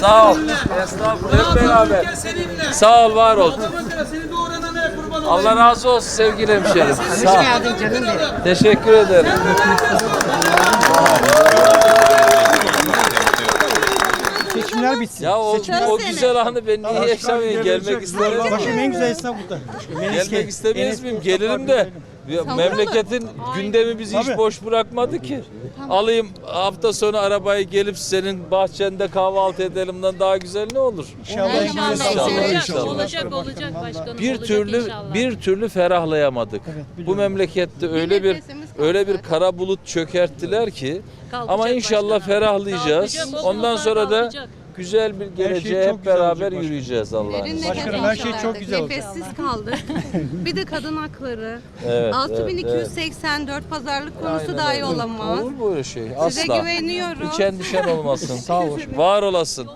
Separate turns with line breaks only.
Sağ ol. Estağfurullah. Hep beraber. Sağ ol, var ol. Allah razı olsun sevgili hemşerim. Sağ ol. Teşekkür ederim.
Seçimler bitsin.
Ya o güzel anı ben niye yaşamayayım? Gelmek isterim.
Başım en güzel esnaf burada.
Gelmek istemeyiz miyim? Gelirim de. Memleketin gündemi bizi hiç boş bırakmadı ki. Alayım hafta sonu arabayı gelip senin bahçende kahvaltı edelimden daha güzel ne olur?
İnşallah.
Olacak başkanım.
Bir türlü ferahlayamadık. Bu memlekette öyle bir kara bulut çökerttiler ki ama inşallah ferahlayacağız. Ondan sonra da güzel bir geleceğe hep beraber yürüyeceğiz Allah'ın izniyle.
Başkanım her şey çok güzel olacak.
Nefessiz kaldık. Bir de kadın hakları.
Evet,
6284 pazarlık konusu dahi olamaz.
Olur böyle şey.
Size
Asla.
güveniyorum.
Hiç endişen olmasın. Sağ ol. Var olasın.